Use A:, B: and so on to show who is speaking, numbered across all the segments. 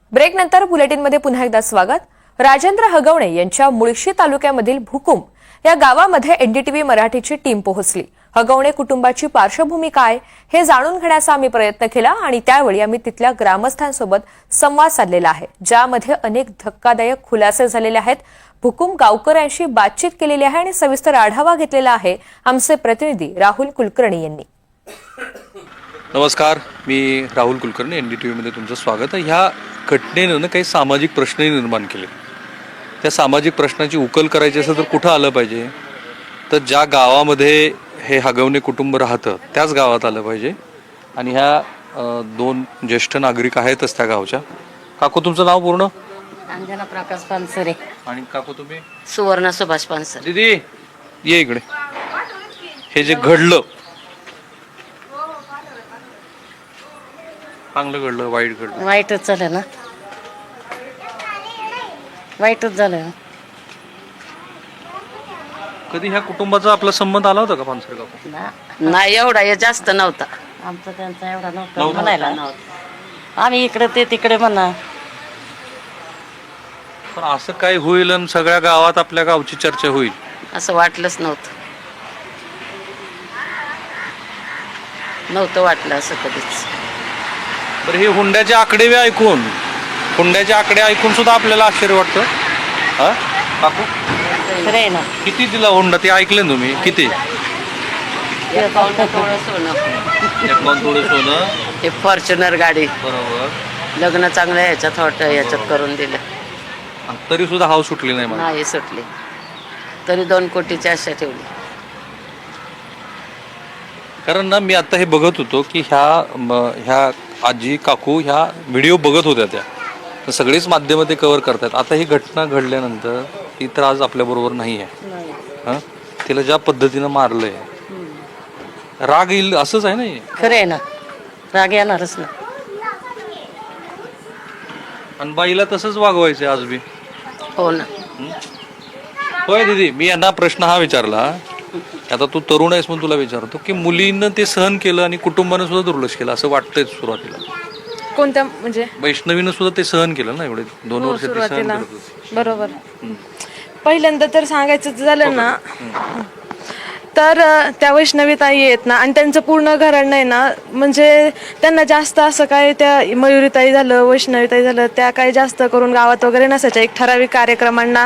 A: ब्रेकनंतर बुलेटिनमध्ये पुन्हा एकदा स्वागत। राजेंद्र हगवणे यांच्या मुळशी तालुक्यामधील भुकुम या गावामध्ये एनडीटीव्ही मराठीची टीम पोहोचली। हगवणे कुटुंबाची पार्श्वभूमी काय हे जाणून घेण्याचा आम्ही प्रयत्न केला आणि त्यावेळी आम्ही तिथल्या ग्रामस्थांसोबत संवाद साधलेला आहे, ज्यामध्ये अनेक धक्कादायक खुलासे झालेले आहेत। भुकुम गावकऱ्यांशी बातचीत केलेली आहे आणि सविस्तर आढावा घेतलेला आहे आमचे प्रतिनिधी राहुल कुलकर्णी यांनी।
B: नमस्कार, मी राहुल कुलकर्णी, एनडीटीव्हीमध्ये तुमचं स्वागत आहे। ह्या घटनेनं काही सामाजिक प्रश्नही निर्माण केले। त्या सामाजिक प्रश्नाची उकल करायची असेल तर कुठं आलं पाहिजे, तर ज्या गावामध्ये हे हगवणे कुटुंब राहतं त्याच गावात आलं पाहिजे। आणि ह्या दोन ज्येष्ठ नागरिक आहेतच त्या गावच्या। काकू, तुमचं नाव पूर्ण?
C: अंजना प्रकाश पानसरे।
B: आणि काकू तुम्ही?
C: सुवर्ण सुभाष पानसरे।
B: दीदी ये इकडे। हे जे घडलं, चांगलं घडलं वाईट घडलं?
C: वाईटच झालं ना, वाईटच झालं।
B: कधी ह्या कुटुंबाचा आपला संबंध आला होता का पानसरे काकू?
C: नाही, एवढा हे जास्त नव्हता आमचा त्यांचा, एवढा नव्हता म्हणायला नव्हता। आम्ही इकडे ते तिकडे म्हणा।
B: पण असं काय होईल आणि सगळ्या गावात आपल्या गावची चर्चा होईल
C: असं वाटलंच नव्हतं वाटलं असं कधीच।
B: बरं, हे हुंड्याचे आकडे ऐकून सुद्धा आपल्याला आश्चर्य वाटतं। हा काकू,
C: खरे ना?
B: किती दिला हुंडा ते ऐकले ना तुम्ही? किती?
C: थोडं सोनं,
B: थोडं सोनं,
C: हे फॉर्च्युनर गाडी,
B: बरोबर।
C: लग्न चांगलं याच्यात करून दिलं,
B: तरी सुद्धा हाव सुटली नाही मला।
C: नाही सुटली, तरी 2 कोटीची आशा ठेवली।
B: कारण ना, मी आता हे बघत होतो की ह्या आजी काकू ह्या व्हिडिओ बघत होत्या, त्या सगळीच माध्यम ते कव्हर करतात। आता ही घटना घडल्यानंतर ती तर आज आपल्या बरोबर नाही आहे। हा, तिला ज्या पद्धतीनं मारलंय, राग येईल असंच आहे ना?
C: खरे ना, राग येणारच ना।
B: आणि बाईला तसंच वागवायचंय आज बी?
C: हो ना।
B: होय दीदी, मी यांना प्रश्न हा विचारला, आता तू तरुण आहेस म्हणून तुला विचारतो की मुलीनं ते सहन केलं आणि कुटुंबानं सुद्धा दुर्लक्ष केलं असं वाटतंय सुरुवातीला?
A: कोणत्या म्हणजे?
B: वैष्णवीनं सुद्धा ते सहन केलं ना, एवढे 2 वर्ष ते सहन
A: सुरुवातीला
B: करत होते।
A: बरोबर। पहिल्यांदा तर सांगायचं झालं ना, तर त्या वैष्णवीताई आहेत ना, आणि त्यांचं पूर्ण घराणं आहे ना, म्हणजे त्यांना जास्त असं काय, त्या मयुरीताई झालं, वैष्णवीताई झालं, त्या काही जास्त करून गावात वगैरे नसायच्या। एक ठराविक कार्यक्रमांना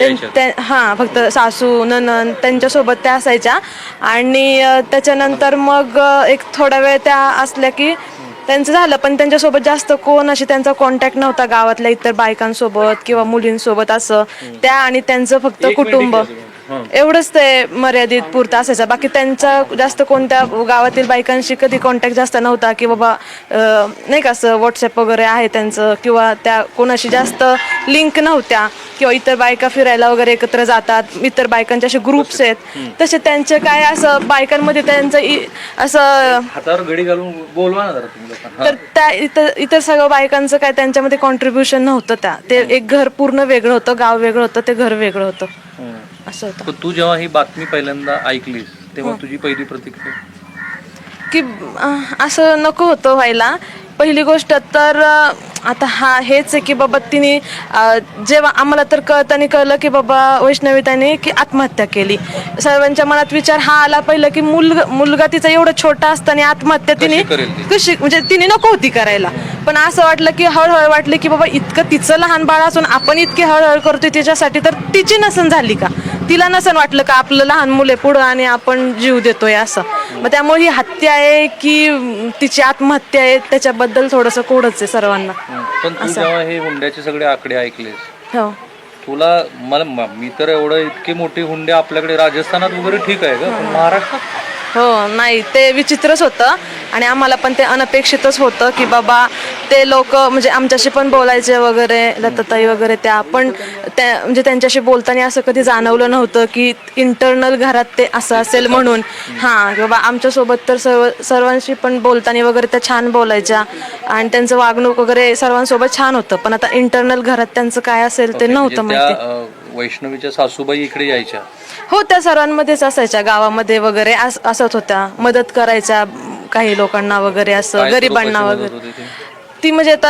A: फक्त सासू नणंद त्यांच्यासोबत त्या असायच्या। आणि त्याच्यानंतर मग एक थोडा वेळ त्या असल्या की त्यांचं झालं, पण त्यांच्यासोबत जास्त कोण अशी त्यांचा कॉन्टॅक्ट नव्हता गावातल्या इतर बायकांसोबत किंवा मुलींसोबत असं। त्या आणि त्यांचं फक्त कुटुंब एवढंच ते मर्यादित पुरतं असायचं। बाकी त्यांचा जास्त कोणत्या गावातील बायकांशी कधी कॉन्टॅक्ट जास्त नव्हता, की बाबा नाही का असं व्हॉट्सअप वगैरे आहे त्यांचं, किंवा त्या कोणाशी जास्त लिंक नव्हत्या, किंवा इतर बायका फिरायला वगैरे एकत्र जातात, इतर बायकांचे असे ग्रुप्स आहेत तसे त्यांचे काय असं बायकांमध्ये त्यांचं असं
B: हातावर घडी घालून बोलवा ना जरा तुम्ही लोकांना।
A: तर त्या इतर सगळं बायकांचं काय त्यांच्यामध्ये कॉन्ट्रीब्युशन नव्हतं। ते एक घर पूर्ण वेगळं होतं, गाव वेगळं होतं, ते घर वेगळं होतं, असं होतं।
B: पण तू जेव्हा ही बातमी पहिल्यांदा ऐकलीस तेव्हा तुझी पहिली प्रतिक्रिया
A: की असं नको होतं व्हायला। पहिली गोष्ट तर आता हेच आहे की बाबा तिने जेव्हा आम्हाला तर कळलं की बाबा वैष्णवीताईने की आत्महत्या केली, सर्वांच्या मनात विचार हा आला पहिलं की मुलगा तिचा एवढा छोटा असताना आत्महत्या तिने कशी, म्हणजे तिने नको होती करायला। पण असं वाटलं की हळूहळू वाटलं की बाबा इतकं तिचं लहान बाळ असून आपण इतकी हळूहळू करतोय तिच्यासाठी, तर तिची नसन झाली का, तिला नसन वाटलं का आपलं लहान मुले पुढं आणि आपण जीव देतोय असं। मग त्यामुळे ही हत्या आहे की तिची आत्महत्या आहे त्याच्याबद्दल थोडंसं कोडच आहे सर्वांना।
B: पण तू जेव्हा हे हुंड्याचे सगळे आकडे ऐकलेस,
A: हो,
B: तुला मी तर एवढं इतके मोठे हुंडे आपल्याकडे राजस्थानात वगैरे ठीक आहे का, पण महाराष्ट्रात?
A: हो, नाही ते विचित्रच होतं आणि आम्हाला पण ते अनपेक्षितच होतं की बाबा ते लोक म्हणजे आमच्याशी पण बोलायचे वगैरे, लताताई वगैरे, त्या पण त्या म्हणजे त्यांच्याशी बोलताना असं कधी जाणवलं नव्हतं की इंटरनल घरात ते असं असेल म्हणून। बाबा आमच्यासोबत तर सर्वांशी पण बोलताना वगैरे त्या छान बोलायच्या आणि त्यांचं वागणूक वगैरे सर्वांसोबत छान होतं, पण आता इंटरनल घरात त्यांचं काय असेल ते नव्हतं माहिती।
B: वैष्णवीच्या सासूबाई इकडे यायच्या?
A: हो, त्या सर्वांमध्येच असायच्या, गावामध्ये वगैरे असत होत्या, मदत करायच्या काही लोकांना वगैरे, असं गरिबांना वगैरे। ती म्हणजे आता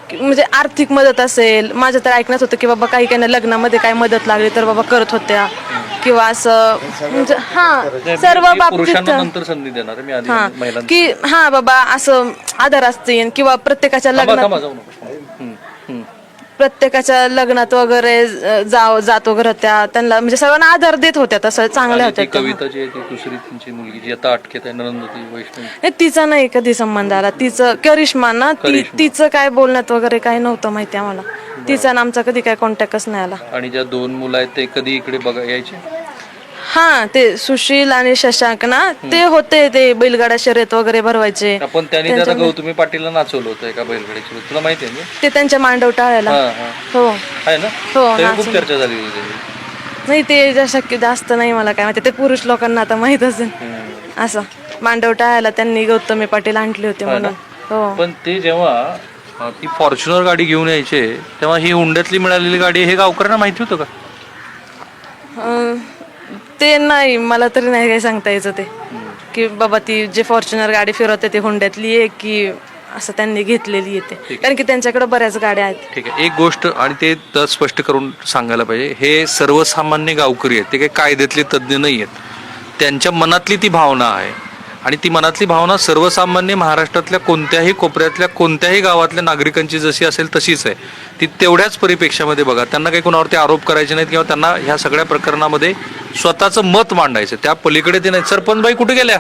A: म्हणजे आर्थिक मदत असेल, माझं तर ऐकण्यात होतं की बाबा काही काही लग्नामध्ये काय मदत लागली तर बाबा करत होत्या किंवा असं म्हणजे सर्व बाबतीत
B: पुरुषांना नंतर संधी देणार आहे मी, आधी महिलांना.
A: की बाबा असं आधार असतील किंवा प्रत्येकाच्या लग्नात
B: जाऊ नको.
A: प्रत्येकाच्या लग्नात वगैरे जात वगैरे होत्या, त्यांना म्हणजे सर्वांना आधार देत होत्या, तसं चांगल्या
B: आणि ती
A: होत्या.
B: कविता जी आहे ती दुसरी त्यांची मुलगी जी आता अटकेत आहे, नंदती वैष्णवी,
A: नाही, तिचा नाही कधी संबंध आला. तिचं करिश्मा ना, तिचं काय बोलण्यात वगैरे काही नव्हतं माहिती आम्हाला. तिचा ना आमचा कधी काय कॉन्टॅक्टच नाही आला.
B: आणि ज्या 2 मुलं आहेत ते कधी इकडे बघा यायचे?
A: ते सुशील आणि शशांक ना, ते होते, ते बैलगाडा शर्यत वगैरे भरवायचे.
B: आपण त्यांनी त्याला गौतमी पाटीलला नाचवलं होतं एका बैलगाडीची, तुला माहिती आहे ना?
A: ते त्यांच्या मांडव टाळायला. हो
B: आहे ना?
A: हो,
B: तरी खूप चर्चा झाली होती त्याची.
A: नाही, ते शक्य जास्त नाही मला काय माहिती, ते पुरुष लोकांना आता माहित असेल. असं मांडव टाळायला त्यांनी गौतमी पाटील आणले होते म्हणून. हो,
B: पण ते जेव्हा ती फॉर्च्युनर गाडी घेऊन यायचे तेव्हा ही हुंड्यातली मिळालेली गाडी हे गावकऱ्यांना माहिती होतं का?
A: ते नाही, मला तरी नाही काही सांगता यायचं ते की बाबा ती जे फॉर्च्युनर गाडी फिरवते ती हुंड्यातली आहे की असं त्यांनी घेतलेली येते, कारण की त्यांच्याकडे बऱ्याच गाड्या आहेत.
B: ठीक आहे, एक गोष्ट आणि ते तर स्पष्ट करून सांगायला पाहिजे, हे सर्वसामान्य गावकरी आहेत, ते काही कायद्यातले तज्ज्ञ नाही आहेत. त्यांच्या मनातली ती भावना आहे आणि ती मनातली भावना सर्वसामान्य महाराष्ट्रातल्या कोणत्याही कोपऱ्यातल्या कोणत्याही गावातल्या नागरिकांची जशी असेल तशीच आहे. ती तेवढ्याच परिपेक्षामध्ये बघा, त्यांना काही कोणावरती आरोप करायचे नाहीत किंवा त्यांना ह्या सगळ्या प्रकरणामध्ये स्वतःचं मत मांडायचं, त्या पलीकडे ते नाही. सरपंच बाई कुठे गेल्या?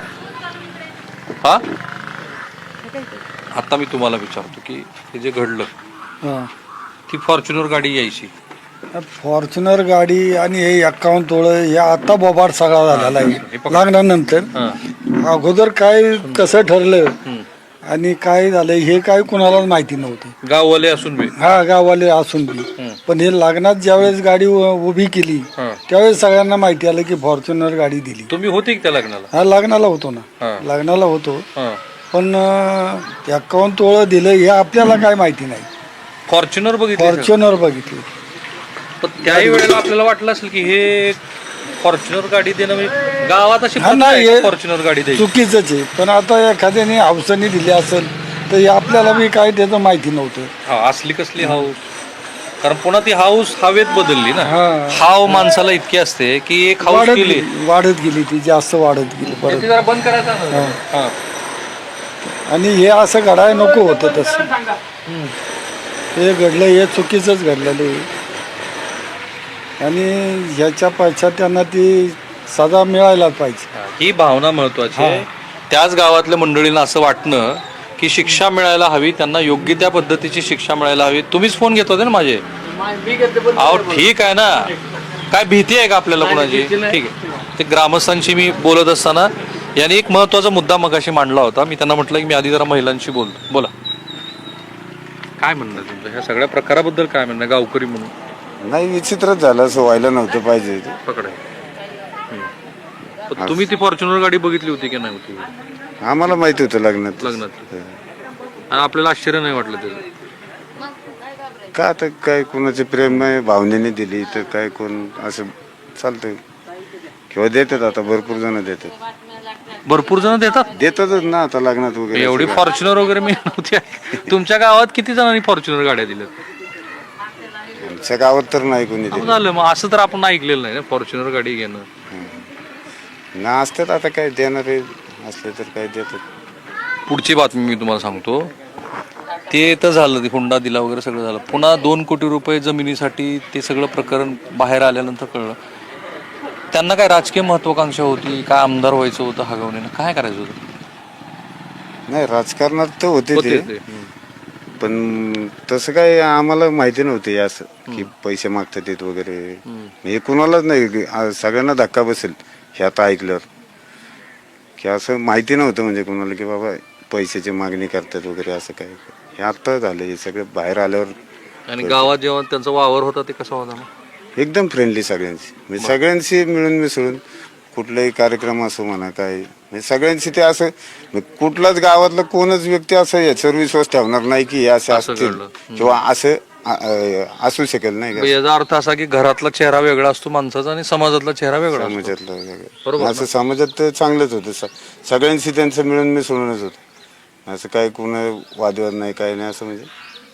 B: आता मी तुम्हाला विचारतो की हे जे घडलं, ती फॉर्च्युनर गाडी यायची,
D: फॉर्च्युनर गाडी आणि हे 51 तोळ हे आता बोबाड सगळा झालेला आहे लागल्यानंतर. अगोदर काय कसं ठरलं आणि काय झालं हे काय कुणालाच माहिती नव्हतं,
B: गाववाले असून बी.
D: गाववाले असून बी. पण हे लग्नात ज्यावेळेस गाडी उभी केली त्यावेळेस सगळ्यांना माहिती आलं की फॉर्च्युनर गाडी दिली.
B: तुम्ही होते की त्या लग्नाला?
D: लग्नाला होतो ना, लग्नाला होतो. पण 51 तोळ दिलं हे आपल्याला काय माहिती नाही.
B: फॉर्च्युनर बघितलं?
D: फॉर्च्युनर बघितली.
B: पण त्याही वेळेला आपल्याला वाटलं असेल की हे फॉर्च्युनर गाडी देणं म्हणजे गावात अशी फॉर्च्युनर गाडी द्यायची
D: चुकीच आहे. पण आता एखाद्याने हावसाने दिली असेल तर हे आपल्याला बी काय त्याचं माहिती नव्हतं.
B: असली कसली हाऊस, कारण पुन्हा ती हाऊस हवेत बदलली ना. हाव माणसाला इतकी असते की एक हाऊस गेली
D: वाढत गेली, ती जास्त वाढत गेली परत.
B: जरा बंद करायचा.
D: आणि हे असं घडायला नको होतं तसं. हे घडलं हे चुकीचंच घडलेलं आहे आणि ह्याच्या पश्चात त्यांना ती सजा मिळायलाच पाहिजे.
B: ही भावना महत्वाची आहे. त्याच गावातल्या मंडळींना असं वाटणं की शिक्षा मिळायला हवी, त्यांना योग्य त्या पद्धतीची शिक्षा मिळायला हवी. तुम्हीच फोन घेत होते ना माझे? अहो ठीक आहे ना, काय भीती आहे का आपल्याला कुणाची? ठीक आहे, ते ग्रामस्थांशी मी बोलत असताना यांनी एक महत्वाचा मुद्दा मगाशी मांडला होता. मी त्यांना म्हटलं की मी आधी जरा महिलांशी बोलतो. बोला, काय म्हणणं तुमचं ह्या सगळ्या प्रकाराबद्दल? काय म्हणणं गावकरी म्हणून?
E: नाही, विचित्रच झालं, असं व्हायला नव्हतं पाहिजे.
B: पकड तुम्ही ती फॉर्च्युनर गाडी बघितली होती की नाही होती?
E: आम्हाला माहिती होतं लग्नात.
B: आणि आपल्याला आश्चर्य नाही वाटलं त्याचं
E: का? आता काय कोणाचे प्रेम नाही, भावनेने दिली तर काय कोण असं चालतंय किंवा देतात. आता भरपूर जण देतात,
B: भरपूर जण देतातच
E: ना आता लग्नात वगैरे.
B: एवढी फॉर्च्युनर वगैरे मी नव्हती. तुमच्या गावात किती जणांनी फॉर्च्युनर गाड्या दिल्यात?
E: आमच्या गावात तर नाही कोणी दिलं.
B: झालं मग असं तर आपण ऐकलेलं नाही ना फॉर्च्युनर गाडी घेणं.
E: ना असतात, आता काय देणारे असले तर काय देतात.
B: पुढची बातमी मी तुम्हाला सांगतो. ते तर झालं, ते हुंडा दिला वगैरे सगळं झालं. पुन्हा 2 कोटी रुपये जमिनीसाठी ते सगळं प्रकरण बाहेर आल्यानंतर कळलं त्यांना काय राजकीय महत्वाकांक्षा होती, काय आमदार व्हायचं होतं हगवणीनं, काय करायचं होतं?
E: नाही, राजकारणात तर होते ते, पण तसं काय आम्हाला माहिती नव्हते असं की पैसे मागतात येत वगैरे. हे कुणालाच नाही, सगळ्यांना धक्का बसेल हे आता ऐकल्यावर की असं माहिती नव्हतं म्हणजे कुणाला की बाबा पैशाची मागणी करतात वगैरे असं काय. हे आता झालं हे सगळं बाहेर आल्यावर.
B: आणि गावात जेव्हा त्यांचा वावर होता ते कसा होता?
E: एकदम फ्रेंडली सगळ्यांशी, म्हणजे सगळ्यांशी मिळून मिसळून कुठलाही कार्यक्रम असो म्हणा काय, म्हणजे सगळ्यांशी ते असं, कुठलाच गावातलं कोणच व्यक्ती असं याच्यावर विश्वास ठेवणार नाही की हे असं असतील किंवा असं असू शकेल. नाही का?
B: याचा अर्थ असा की घरातला चेहरा वेगळा असतो माणसाचा आणि समाजातला चेहरा वेगळा,
E: समाजातला वेगळा. असं समाजात तर चांगलंच होतं, सगळ्यांशी त्यांचं मिळून मिसळूनच होतं. असं काय कोण वादविवाद नाही, काय नाही, असं म्हणजे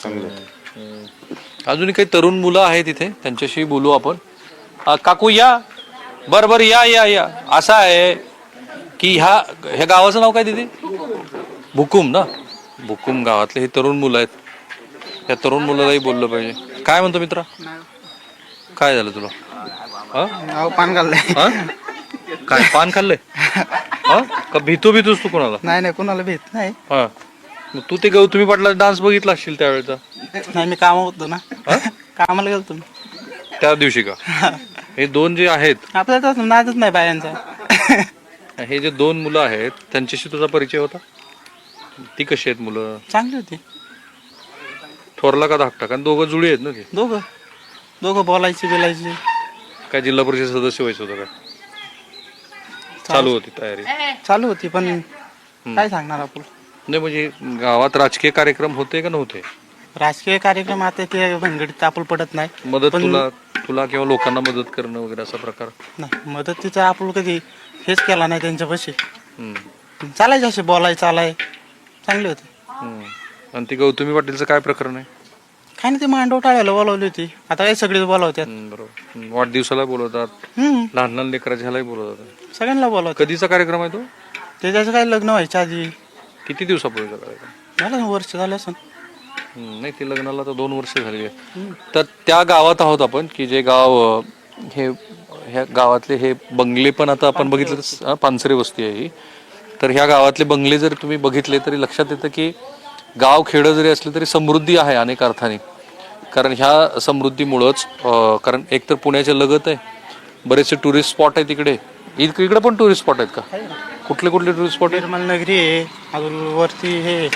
E: चांगलं होतं.
B: अजूनही काही तरुण मुलं आहेत इथे, त्यांच्याशी बोलू आपण. काकू या, बरं या या या. असं आहे की ह्या गावाचं नाव काय तिथे? भुकुम ना. भुकुम गावातले हे तरुण मुलं आहेत. या तरुण मुलालाही बोललं पाहिजे. काय म्हणतो मित्रा, काय झालं तुला?
F: पान खाल्लंय.
B: काय पान खाल्लंय? का भीतोस तू कोणाला?
F: नाही कोणाला भेट नाही.
B: हा, मग तू ते गौतमी पाटला डान्स बघितला असशील त्यावेळेचा?
F: नाही, मी कामावर होतो ना. कामाला गेलो तुम्ही
B: त्या दिवशी का? हे दोन जे आहेत,
F: आपल्याला तर नादच नाही बायांचा.
B: हे जे दोन मुलं आहेत त्यांच्याशी तुझा परिचय होता? ती कशी आहेत मुलं?
F: चांगली होती.
B: थोरला का धाकटा? कारण दोघं जुळी आहेत ना ते.
F: दोघं बोलायचे.
B: काय जिल्हा परिषद सदस्य व्हायचं होतं काय? चालू होती तयारी?
F: चालू होती, पण काय सांगणार आपण.
B: नाही म्हणजे गावात राजकीय कार्यक्रम होते का नव्हते?
F: राजकीय कार्यक्रम आता ते भानगडीत आपण पडत नाही.
B: मदत तुला किंवा लोकांना मदत करणं वगैरे असा प्रकार?
F: नाही, मदतीचं आपण कधी हेच केला नाही त्यांच्यापाशी. चालायचे असे चालाय चांगले होते.
B: आणि ती गौतमी पाटीलचं काय प्रकरण आहे?
F: काय नाही, ते मांडव टाळायला बोलावली होती. आता काय सगळेच बोलावतात.
B: बरोबर. वाढदिवसाला बोलवतात, लहान लहान लेकराच्यालाही बोलवतात,
F: सगळ्यांना बोलावतात.
B: कधीचा कार्यक्रम आहे तो?
F: त्याचं काय लग्न व्हायच्या आधी.
B: किती दिवसापूर्वीचा कार्यक्रम?
F: झालं वर्ष झालं असं.
B: नाही, ते लग्नाला तर 2 वर्ष झाली आहे. तर त्या गावात आहोत आपण की जे गाव ह्या गावातले हे बंगले पण आता आपण बघितलं तर पानसरे वस्ती आहे ही. तर ह्या गावातले बंगले जर तुम्ही बघितले तरी लक्षात येतं की गाव खेडं जरी असलं तरी समृद्धी आहे अनेक अर्थाने. कारण ह्या समृद्धीमुळंच, कारण एक तर पुण्याच्या लगत आहे, बरेचसे टुरिस्ट स्पॉट आहेत तिकडे. इकडे पण टुरिस्ट स्पॉट आहेत का? कुठले टुरिस्ट स्पॉट आहेत?
F: निर्मल नगरी आहे, अजून वरती हे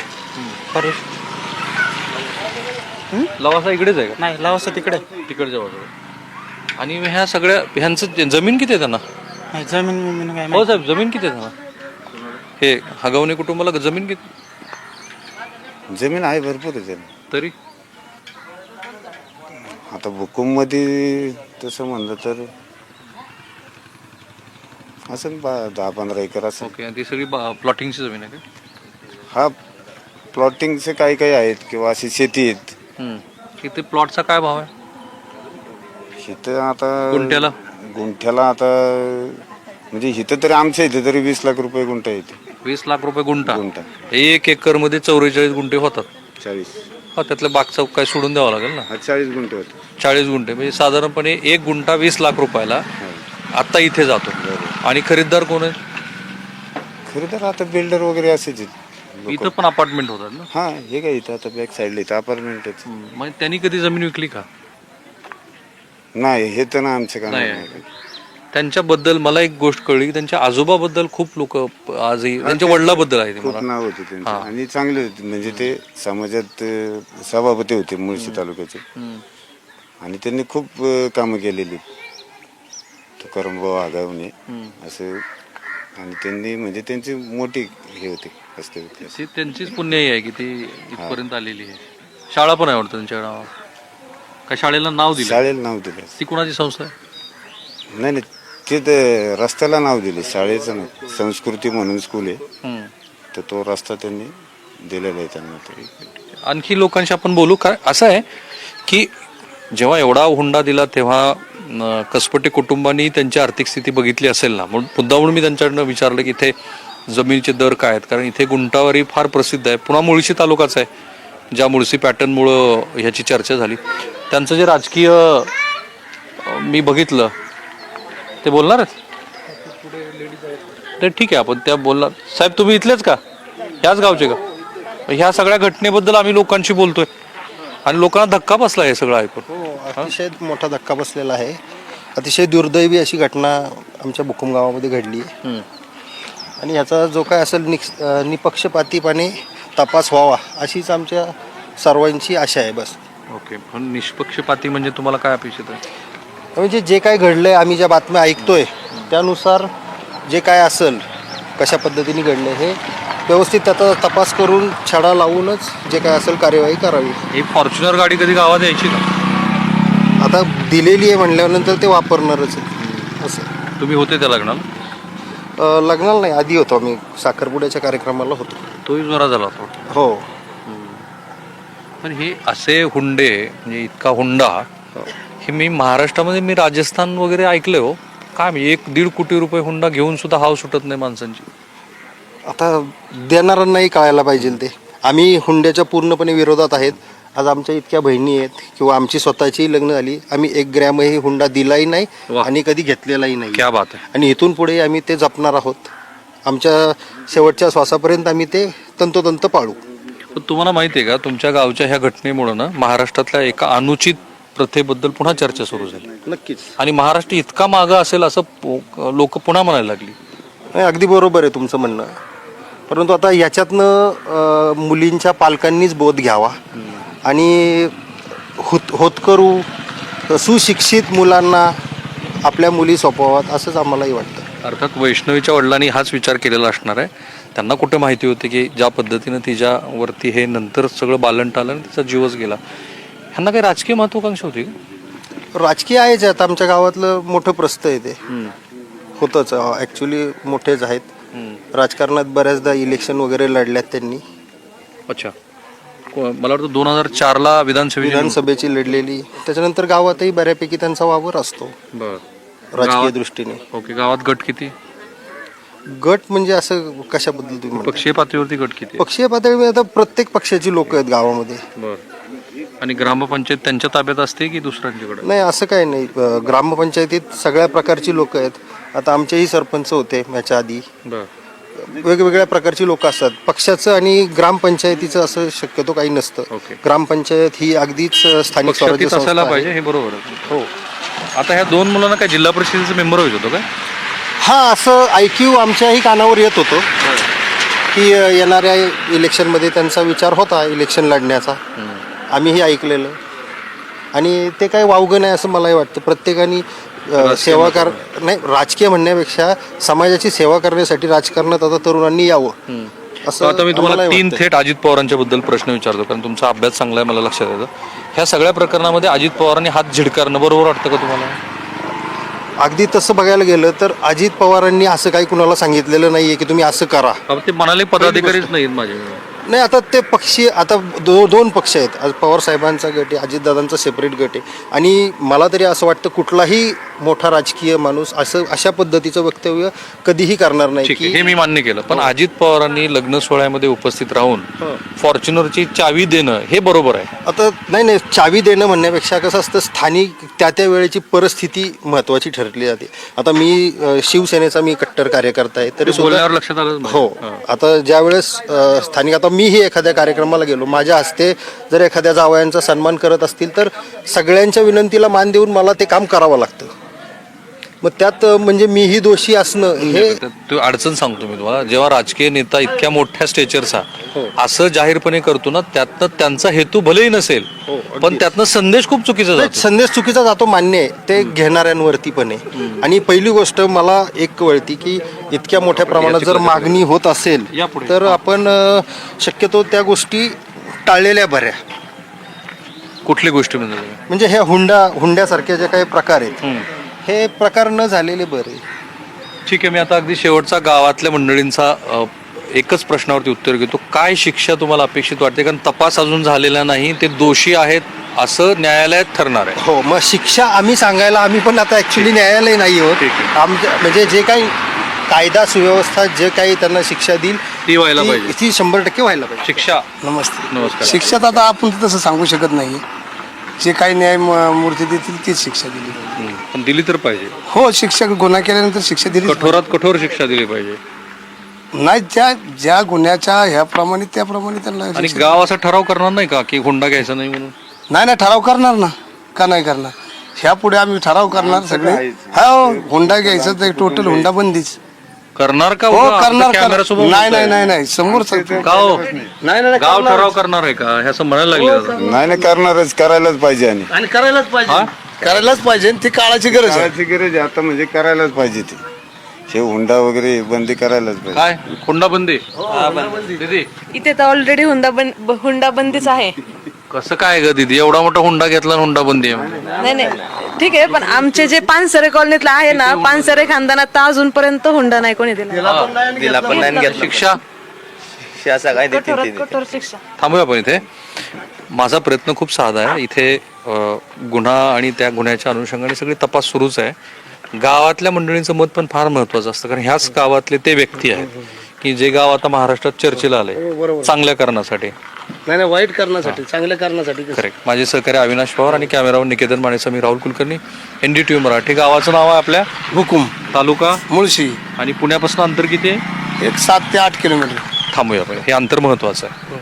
B: लवासा इकडेच आहे का?
F: नाही, लावसा तिकडे.
B: तिकडच्या बाजूला. आणि ह्या सगळ्या ह्यांचं जमीन किती आहे त्यांना?
F: नाही, जमीन काय
B: हो साहेब, जमीन किती आहे त्यांना? हे हगवणे कुटुंबाला जमीन किती?
E: जमीन आहे, भरपूर आहे जमीन.
B: तरी
E: आता भुकुम मध्ये तसं म्हणलं तर असं 10-15 एकर असं.
B: ओके. आणि ती सगळी प्लॉटिंगची जमीन आहे का?
E: हा, प्लॉटिंगचे काही आहेत किंवा अशी शेती आहेत.
B: इथे प्लॉटचा काय भाव आहे
E: इथं आता
B: गुंठ्याला?
E: आता म्हणजे इथं तरी आमच्या इथे तरी 20 लाख रुपये गुंठा येते.
B: 20 लाख रुपये गुंठा. 1 एकर मध्ये 44 गुंठे होतात.
E: 40.
B: हा, त्यातलं बागचा काय सोडून द्यावं लागेल ना.
E: 40 गुंठे होते.
B: 40 गुंठे म्हणजे साधारणपणे 1 गुंठा 20 लाख रुपयाला आता इथे जातो. आणि खरीददार कोण आहे?
E: खरं तर आता बिल्डर वगैरे असेच
B: इथं पण अपार्टमेंट होतात ना.
E: हा, हे काय इथं आता बॅक साईडला इथं अपार्टमेंटच.
B: मग त्यांनी कधी जमीन विकली का?
E: नाही, हे तर ना आमचं काम
B: नाही.
E: नाही.
B: त्यांच्याबद्दल मला एक गोष्ट कळली की त्यांच्या आजोबाबद्दल खूप लोक आजही, त्यांच्या वडिलाबद्दल आहे ते
E: खूप
B: मला.
E: नाव होते त्यांचे आणि चांगले होते. म्हणजे ते समाजात सभापती होते मुळशी तालुक्याचे. आणि त्यांनी खूप कामं केलेली. तुकारामभाऊ आगावणे असं. आणि त्यांनी म्हणजे त्यांची मोठी हे होते असते.
B: ती त्यांचीच पुण्याई आहे की ती इथपर्यंत आलेली आहे. शाळा पण आहे वाटतं त्यांच्या नावावर. का शाळेला नाव दिलं?
E: शाळेला नाव दिलं.
B: ती कुणाची संस्था आहे?
E: नाही, ते रस्त्याला नाव दिले, शाळेचं नाही. संस्कृती म्हणून स्कूल आहे, तर तो रस्ता त्यांनी दिलेला आहे त्यांना. तरी
B: आणखी लोकांशी आपण बोलू. काय असं आहे की जेव्हा एवढा हुंडा दिला तेव्हा कसपटे कुटुंबांनी त्यांची आर्थिक स्थिती बघितली असेल ना. म्हणून मुद्दामून मी त्यांच्याकडनं विचारलं की इथे जमिनीचे दर काय आहेत. कारण इथे गुंटावारी फार प्रसिद्ध आहे. पुन्हा मुळशी तालुकाच आहे, ज्या मुळशी पॅटर्नमुळं ह्याची चर्चा झाली. त्यांचं जे राजकीय मी बघितलं ते बोलणार आहेत ते ठीक आहे, आपण त्या बोलणार. साहेब तुम्ही इथलेच का? ह्याच गावचे का? ह्या सगळ्या घटनेबद्दल आम्ही लोकांशी बोलतोय आणि लोकांना धक्का बसला हे सगळं ऐकून.
G: हो, अतिशय मोठा धक्का बसलेला आहे. अतिशय दुर्दैवी अशी घटना आमच्या भुकुम गावामध्ये घडली आहे. आणि ह्याचा जो काय असेल निपक्षपातीपणे तपास व्हावा अशीच आमच्या सर्वांची आशा आहे. बस.
B: ओके. पण निष्पक्षपाती म्हणजे तुम्हाला काय अपेक्षित आहे?
G: म्हणजे जे काय घडलंय, आम्ही ज्या बातम्या ऐकतोय त्यानुसार जे काय असेल, कशा पद्धतीने घडले हे व्यवस्थित त्याचा तपास करून छडा लावूनच जे काय असेल कार्यवाही करावी.
B: ही फॉर्च्युनर गाडी कधी गावात यायची का?
G: आता दिलेली आहे म्हणल्यानंतर ते वापरणारच आहे. असं.
B: तुम्ही होते त्या लग्नाला?
G: लग्नाला नाही, आधी होतो आम्ही. साखरपुड्याच्या कार्यक्रमाला होतो.
B: तोही जोरा झाला होता.
G: हो.
B: पण हे असे हुंडे म्हणजे इतका हुंडा हे मी महाराष्ट्रामध्ये मी राजस्थान वगैरे ऐकलंय हो. काय मी 1-1.5 कोटी रुपये हुंडा घेऊन सुद्धा हाव सुटत नाही माणसांची.
G: आता देणाऱ्यांनाही कळायला पाहिजे ते. आम्ही हुंड्याच्या पूर्णपणे विरोधात आहेत. आज आमच्या इतक्या बहिणी आहेत किंवा आमची स्वतःची लग्न झाली, आम्ही 1 ग्रॅमही हुंडा दिलाही नाही
B: वा.
G: आणि कधी घेतलेलाही नाही.
B: क्या बात आहे.
G: आणि इथून पुढे आम्ही ते जपणार आहोत. आमच्या शेवटच्या श्वासापर्यंत आम्ही ते तंतोतंत पाळू.
B: पण तुम्हाला माहिती आहे का तुमच्या गावच्या ह्या घटनेमुळे ना महाराष्ट्रातल्या एका अनुचित प्रथेबद्दल पुन्हा चर्चा सुरू झाली
G: नक्कीच.
B: आणि महाराष्ट्र इतका मागं असेल असं लोक पुन्हा म्हणायला लागली.
G: नाही, अगदी बरोबर आहे तुमचं म्हणणं. परंतु आता याच्यातनं मुलींच्या पालकांनीच बोध घ्यावा आणि होतकरू सुशिक्षित मुलांना आपल्या मुली सोपवाव्यात असंच आम्हालाही वाटतं.
B: अर्थात वैष्णवीच्या वडिलांनी हाच विचार केलेला असणार आहे. त्यांना कुठे माहिती होती की ज्या पद्धतीनं तिच्यावरती हे नंतर सगळं बालन टालं आणि तिचा जीवच गेला. ह्यांना काही राजकीय महत्वाकांक्षा होती का?
G: राजकीय आहेच. आता आमच्या गावातलं मोठं प्रस्थ आहे ते. होतंच ॲक्च्युली मोठेच आहेत. राजकारणात बऱ्याचदा इलेक्शन वगैरे लढल्यात त्यांनी.
B: अच्छा. मला वाटतं 2004ला
G: विधानसभेची लढलेली. त्याच्यानंतर गावातही बऱ्यापैकी त्यांचा वावर असतो राजकीय दृष्टीने.
B: ओके. गावात गट किती?
G: गट म्हणजे असं कशाबद्दल तुम्ही म्हणता?
B: पक्षीय पातळीवरती गट किती?
G: पक्षीय पातळीवर आता प्रत्येक पक्षाची लोक आहेत गावामध्ये.
B: आणि ग्रामपंचायत त्यांच्या ताब्यात असते की दुसऱ्यांच्याकडे?
G: नाही, असं काही नाही. ग्रामपंचायतीत सगळ्या प्रकारची लोक आहेत. आता आमचेही सरपंच होते याच्या आधी. वेगवेगळ्या प्रकारची लोक असतात. पक्षाचं आणि ग्रामपंचायतीचं असं शक्यतो काही नसतं. ग्रामपंचायत ही अगदीच स्थानिक स्वराज्य
B: असायला
G: संस्था आहे.
B: पाहिजे, हे बरोबर आहे.
G: हो.
B: आता ह्या 2 मुलांना काय जिल्हा परिषदेचं मेंबर व्हायचं होतं काय?
G: हा, असं ऐक्यू आमच्याही कानावर येत होतं की येणाऱ्या इलेक्शनमध्ये त्यांचा विचार होता इलेक्शन लढण्याचा. आम्हीही ऐकलेलं आणि ते काही वावगं नाही असं मलाही वाटतं. प्रत्येकाने सेवा नाही, राजकीय म्हणण्यापेक्षा समाजाची सेवा करण्यासाठी राजकारणात आता तरुणांनी यावं असं.
B: आता मी तुम्हाला
G: आम्हालाही
B: 3
G: वाटतं.
B: थेट अजित पवारांच्या बद्दल प्रश्न विचारतो कारण तुमचा अभ्यास चांगला आहे मला लक्षात येतं. ह्या सगळ्या प्रकरणामध्ये अजित पवारांनी हात झिडकारणं बरोबर वाटतं का तुम्हाला?
G: अगदी तसं बघायला गेलं तर अजित पवारांनी असं काही कुणाला सांगितलेलं नाहीये की तुम्ही असं करा.
B: ते म्हणाले पदाधिकारीच नाहीत माझे.
G: नाही, आता ते पक्षी आता 2 पक्ष आहेत. आज पवार साहेबांचा गट आहे, अजितदादांचा सेपरेट गट आहे. आणि मला तरी असं वाटतं कुठलाही मोठा राजकीय माणूस असं अशा पद्धतीचं वक्तव्य कधीही करणार नाही.
B: ठीक आहे, हे मी मान्य केलं. पण अजित पवारांनी लग्न सोहळ्यामध्ये उपस्थित राहून फॉर्च्युनरची चावी देणं हे बरोबर आहे?
G: आता नाही, चावी देणं म्हणण्यापेक्षा कसं असतं, स्थानिक त्या वेळेची परिस्थिती महत्वाची ठरली जाते. आता मी शिवसेनेचा मी कट्टर कार्यकर्ता आहे तरी
B: बोलण्यावर लक्षात आलं.
G: हो. आता ज्या वेळेस स्थानिक आता मीही एखाद्या कार्यक्रमाला गेलो, माझ्या हस्ते जर एखाद्या जावयांचा सन्मान करत असतील तर सगळ्यांच्या विनंतीला मान देऊन मला ते काम करावं लागतं. मग त्यात म्हणजे मीही दोषी असणं हे
B: तू अडचण सांगतो मी तुम्हाला. जेव्हा राजकीय नेता इतक्या मोठ्या स्टेचरचा असं जाहीरपणे करतो ना, त्यातनं त्यांचा हेतू भलेही नसेल पण त्यातनं संदेश खूप चुकीचा जातो.
G: संदेश चुकीचा जातो, मान्य आहे. ते घेणाऱ्यांवरती पण आहे. आणि पहिली गोष्ट मला एक कळती की इतक्या मोठ्या प्रमाणात जर मागणी होत असेल तर आपण शक्यतो त्या गोष्टी टाळलेल्या बऱ्या.
B: कुठली गोष्टी
G: म्हणजे ह्या हुंड्यासारख्या जे काही प्रकार आहेत हे प्रकार न झालेले बरे.
B: ठीक आहे. मी आता अगदी शेवटचा गावातल्या मंडळींचा एकच प्रश्नावरती उत्तर घेतो. काय शिक्षा तुम्हाला अपेक्षित वाटते? कारण तपास अजून झालेला नाही, ते दोषी आहेत असं न्यायालयात ठरणार आहे.
G: हो, मग शिक्षा आम्ही सांगायला आम्ही पण आता ऍक्च्युली न्यायालय नाही होत. आमच्या म्हणजे जे काही कायदा सुव्यवस्था जे काही त्यांना शिक्षा देईल
B: ती व्हायला पाहिजे,
G: ती 100% व्हायला पाहिजे.
B: शिक्षा.
H: नमस्कार. शिक्षात आता आपण तसं सांगू शकत नाही. जे काही न्यायमूर्ती देतील तीच शिक्षा दिली पाहिजे.
B: पण दिली तर पाहिजे.
H: हो, शिक्षक गुन्हा केल्यानंतर शिक्षा दिली
B: कठोरात कठोर शिक्षा दिली पाहिजे.
H: नाही, ज्या गुन्ह्याच्या ह्याप्रमाणे त्याप्रमाणे त्यांना.
B: आणि गाव असा ठराव करणार नाही का की हुंडा घ्यायचा नाही म्हणून?
H: नाही, ठराव करणार ना. का नाही करणार? ह्या पुढे आम्ही ठराव करणार सगळे. हो, हुंडा घ्यायचा तर टोटल हुंडा बंदीच
B: करणार का?
H: हो, करणार.
B: नाही
H: नाही समोर
B: गाव गाव ठराव करणार आहे का हे असं म्हणायला लागले?
E: नाही, करणारच, करायलाच पाहिजे.
G: आणि करायलाच पाहिजे. ती काळाची गरज आहे.
E: करायची गरज आहे आता, म्हणजे करायलाच पाहिजे. ते हे हुंडा वगैरे बंदी करायलाच पाहिजे.
B: काय हुंडा बंदी? दीदी
A: इथे तर ऑलरेडी हुंडा बंदीच आहे.
B: कसं काय ग दीदी, एवढा मोठा हुंडा घेतला आणि हुंडा बंदी आहे?
A: नाही, ठीक आहे. पण आमचे जे पानसरे कॉलनीतला आहे ना, पानसरे खानदानात तर अजूनपर्यंत हुंडा नाही कोणी दिला.
B: शिक्षा
A: कठोर शिक्षा.
B: थांबूया आपण इथे. माझा प्रयत्न खूप साधा आहे. इथे गुन्हा आणि त्या गुन्ह्याच्या अनुषंगाने सगळी तपास सुरूच आहे. गावातल्या मंडळींचं मत पण फार महत्वाचं असतं, कारण ह्याच गावातले ते व्यक्ती आहेत की जे गाव आता महाराष्ट्रात चर्चेला आले चांगल्या कारणासाठी.
H: नाही वाईट करण्यासाठी, चांगल्या करण्यासाठी.
B: करेक्ट. माझे सहकारी अविनाश पवार आणि कॅमेरावर निकेतन मानेचा मी राहुल कुलकर्णी, NDTV मराठी. गावाचं नाव आहे आपल्या
H: हुकुम,
B: तालुका
H: मुळशी.
B: आणि पुण्यापासून अंतर किती आहे?
H: एक 7 ते 8 किलोमीटर.
B: थांबूया आपण, हे अंतर महत्वाचं आहे.